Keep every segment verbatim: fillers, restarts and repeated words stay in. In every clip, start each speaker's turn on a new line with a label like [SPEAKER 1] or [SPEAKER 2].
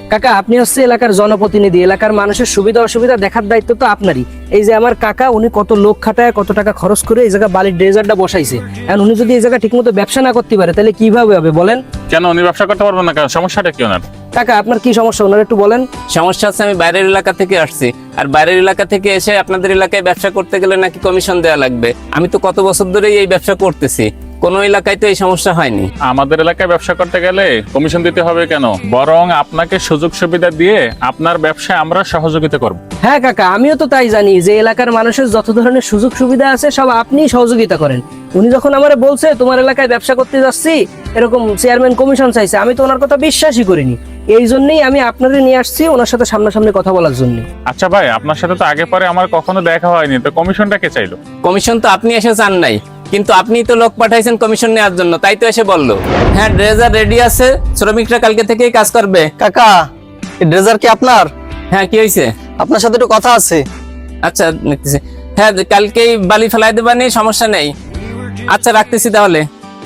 [SPEAKER 1] কাকা আপনি হচ্ছে এলাকার জনপ্রতিনিধি, এলাকার মানুষের সুবিধা অসুবিধা দেখার দায়িত্ব তো আপনারই। এই যে আমার কাকা, উনি কত লোক খাটায়, কত টাকা খরচ করে এই জায়গা বালির ড্রেজারটা বসাইছে। এখন উনি যদি এই জায়গা ঠিকমতো ব্যবসা না করতে পারে তাহলে কিভাবে হবে বলেন?
[SPEAKER 2] কেন উনি ব্যবসা করতে পারবেন না কেন? সমস্যাটা কি ওনার?
[SPEAKER 1] কাকা আপনার কি সমস্যা ওনার একটু বলেন।
[SPEAKER 3] সমস্যা হচ্ছে আমি বাইরের এলাকা থেকে আসছি, আর বাইরের এলাকা থেকে এসে আপনাদের এলাকায় ব্যবসা করতে গেলে নাকি কমিশন দেওয়া লাগবে। আমি তো কত বছর ধরেই এই ব্যবসা করতেছি, কোন এলাকায় তো এই সমস্যা হয়নি।
[SPEAKER 2] আমাদের এলাকায় ব্যবসা করতে গেলে কমিশন দিতে হবে কেন? বরং আপনাকে সুযোগ সুবিধা দিয়ে আপনার ব্যবসায় আমরা সহযোগিতা করব।
[SPEAKER 1] হ্যাঁ কাকা, আমিও তো তাই জানি যে এলাকার মানুষের যত ধরনের সুযোগ সুবিধা আছে সব আপনি সহযোগিতা করেন। উনি যখন আমারে বলছে তোমার এলাকায় ব্যবসা করতে যাচ্ছি, এরকম চেয়ারম্যান কমিশন চাইছে, আমি তো ওনার কথা বিশ্বাসই করিনি। এই জন্যই আমি আপনাদের নিয়ে আসছি ওনার সাথে সামনাসামনি কথা বলার জন্য।
[SPEAKER 2] আচ্ছা ভাই, আপনার সাথে তো আগে পরে আমার কখনো দেখা হয়নি, তো কমিশনটা কে চাইলো?
[SPEAKER 3] কমিশন তো আপনি এসে চান নাই, কিন্তু আপনি তো লোক পাঠাইছেন কমিশন নেওয়ার জন্য, তাই তো এসে বললো। হ্যাঁ, ড্রেজার রেডি আছে, শ্রমিকরা কালকে থেকেই কাজ করবে।
[SPEAKER 4] কাকা, এই ড্রেজার কি আপনার?
[SPEAKER 3] হ্যাঁ, কি হয়েছে?
[SPEAKER 4] আপনার সাথে একটু কথা আছে।
[SPEAKER 3] আচ্ছা নিতেছি। হ্যাঁ, কালকেই বালি ফেলাই দেবানি, সমস্যা নেই। আচ্ছা রাখতেছি তাহলে।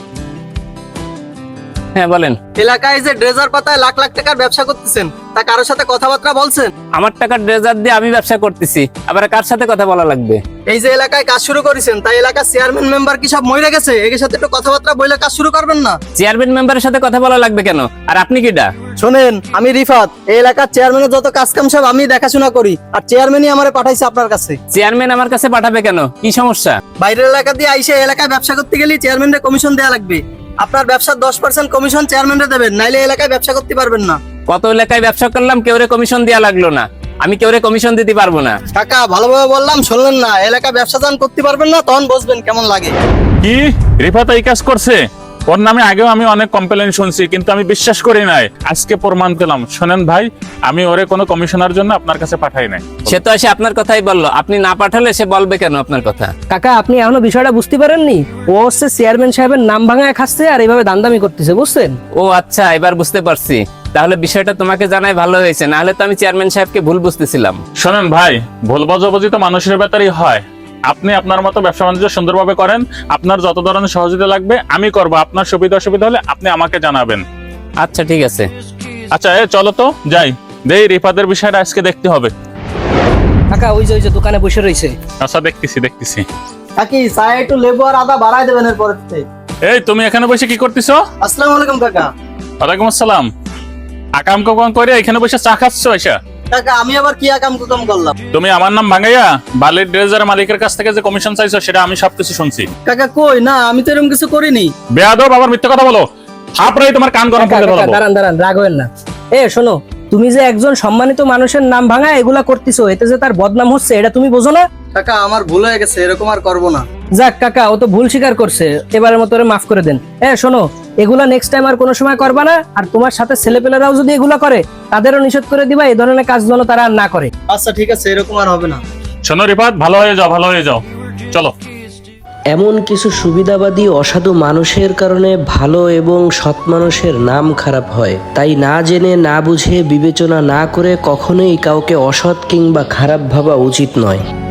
[SPEAKER 3] হ্যাঁ বলেন।
[SPEAKER 4] এলাকায় যে ড্রেজার পাতায় লাখ লাখ টাকার ব্যবসা করতেছেন, তা কারোর সাথে কথাবার্তা বলছেন?
[SPEAKER 3] আমার টাকার ড্রেজার দিয়ে আমি ব্যবসা করতেছি, আবার কার সাথে কথা বলা লাগবে?
[SPEAKER 4] এই যে এলাকায় কাজ শুরু করেছেন, তাই এলাকার চেয়ারম্যান মেম্বার কি সব মরে গেছে? এর সাথে একটু কথাবার্তা বলে কাজ শুরু করবেন না?
[SPEAKER 3] চেয়ারম্যান মেম্বারের সাথে কথা বলা লাগবে কেন? আর আপনি কিডা?
[SPEAKER 4] শোনেন, আমি রিফাত, এই এলাকার চেয়ারম্যানের যত কাজ কাম সব আমি দেখাশোনা করি, আর চেয়ারম্যানই আমারে পাঠাইছে আপনার কাছে।
[SPEAKER 3] চেয়ারম্যান আমার কাছে পাঠাবে কেন? কি সমস্যা?
[SPEAKER 4] বাইরের এলাকা দিয়ে আইসে এলাকায় ব্যবসা করতে গেলে চেয়ারম্যানের কমিশন দেওয়া লাগবে। আপনার ব্যবসার দশ পার্সেন্ট কমিশন চেয়ারম্যানরে দেবেন, নাইলে এলাকায় ব্যবসা করতে পারবেন না।
[SPEAKER 3] কত এলাকায় ব্যবসা করলাম, কেউরে কমিশন দেওয়া লাগলো না। আমি কেউরে কমিশন দিতে পারবো না।
[SPEAKER 4] কাকা, ভালোভাবে বললাম শুনলেন না? এলাকায় ব্যবসা যখন করতে পারবেন না, তখন বুঝবেন কেমন লাগে।
[SPEAKER 2] কি রিফাত এই কাজ করছে? ওর নামে আগেও আমি অনেক কমপ্লেন শুনছি, কিন্তু আমি বিশ্বাস করি নাই। আজকে প্রমাণ পেলাম। শোনেন ভাই, আমি ওরে কোনো কমিশনার জন্য আপনার কাছে পাঠাই নাই।
[SPEAKER 3] সে তো এসে আপনার কথাই বললো, আপনি না পাঠালে সে বলবে কেন আপনার কথা?
[SPEAKER 1] কাকা আপনি এখনো বিষয়টা বুঝতে পারেননি? ও হচ্ছে চেয়ারম্যান সাহেবের নাম ভাঙায় খাচ্ছে আর এইভাবে দান্দামি করতেছে, বুঝছেন?
[SPEAKER 3] ও আচ্ছা, এবার বুঝতে পারছি। তাহলে বিষয়টা তোমাকে জানাই ভালো হয়েছে, নাহলে তো আমি চেয়ারম্যান সাহেবকে ভুল বুঝতেছিলাম।
[SPEAKER 2] শোনেন ভাই, ভুল বোঝাবুঝি তো মানুষের ব্যাপারই হয়। আপনি আপনার মতো ব্যবসা বাণিজ্য সুন্দরভাবে করেন, আপনার যত ধরনের সহযোগিতা লাগবে আমি করব। আপনার সুবিধা অসুবিধা হলে আপনি আমাকে জানাবেন।
[SPEAKER 3] আচ্ছা ঠিক আছে।
[SPEAKER 2] আচ্ছা এ চলো তো যাই, দেই রিফাতের বিষয়টা আজকে দেখতে হবে।
[SPEAKER 1] কাকা ওই যে ওই যে দোকানে বসে রয়েছে।
[SPEAKER 2] আচ্ছা দেখতেছি দেখতেছি।
[SPEAKER 4] কাকি, চায়ে একটু লেবু আর আদা বাড়াই দেবেন এর পরের থেকে।
[SPEAKER 2] এই তুমি এখানে বসে কি করতেছো?
[SPEAKER 4] আসসালামু আলাইকুম কাকা।
[SPEAKER 2] ওয়ালাইকুম আসসালাম। আকাম কাম করে এখানে বসে চা খাচ্ছ? আচ্ছা
[SPEAKER 4] কাকা, আমি আবার কি আকাম কুকাম করলাম?
[SPEAKER 2] তুমি আমার নাম ভাঙাইয়া বালির ড্রেজার মালিকের কাছ থেকে যে কমিশন চাইছো সেটা আমি সবকিছু শুনছি।
[SPEAKER 4] কাকা কই, না আমি তো এরকম কিছু করিনি।
[SPEAKER 2] বেয়াদব, আবার মিথ্যা কথা বলো। থাপড়াই তোমার কান গরম করে
[SPEAKER 1] কাকা,
[SPEAKER 2] দেবো।
[SPEAKER 1] দাঁড়ান দাঁড়ান, রাগ হবেন না। এ শোনো, তুমি যে একজন সম্মানিত মানুষের নাম ভাঙা এগুলা করতেছো, এতে যে তার বদনাম হচ্ছে এটা তুমি বোঝো না?
[SPEAKER 4] কাকা, আমার ভুল হয়ে গেছে, এরকম আর করবো না।
[SPEAKER 1] যাক কাকা, ও তো ভুল স্বীকার করছে, এবারের মতো ওরে মাফ করে দেন। এ শোনো, এগুলা নেক্সট টাইম আর কোনো সময় করবা না। আর তোমার সাথে ছেলেপেলেরাও যদি এগুলা করে তাদেরও নিষেধ করে দিবা, এই ধরনের কাজ যেন তারা আর না করে।
[SPEAKER 4] আচ্ছা ঠিক আছে, এরকম আর হবে না।
[SPEAKER 2] শোনো রিফাত, ভালো হয়ে যাও, ভালো হয়ে যাও, চলো।
[SPEAKER 5] এমন কিছু সুবিধাবাদী অসাধু মানুষের কারণে ভালো এবং সৎ মানুষের নাম খারাপ হয়। তাই না জেনে না বুঝে বিবেচনা না করে কখনোই কাউকে অসৎ কিংবা খারাপ ভাবা উচিত নয়।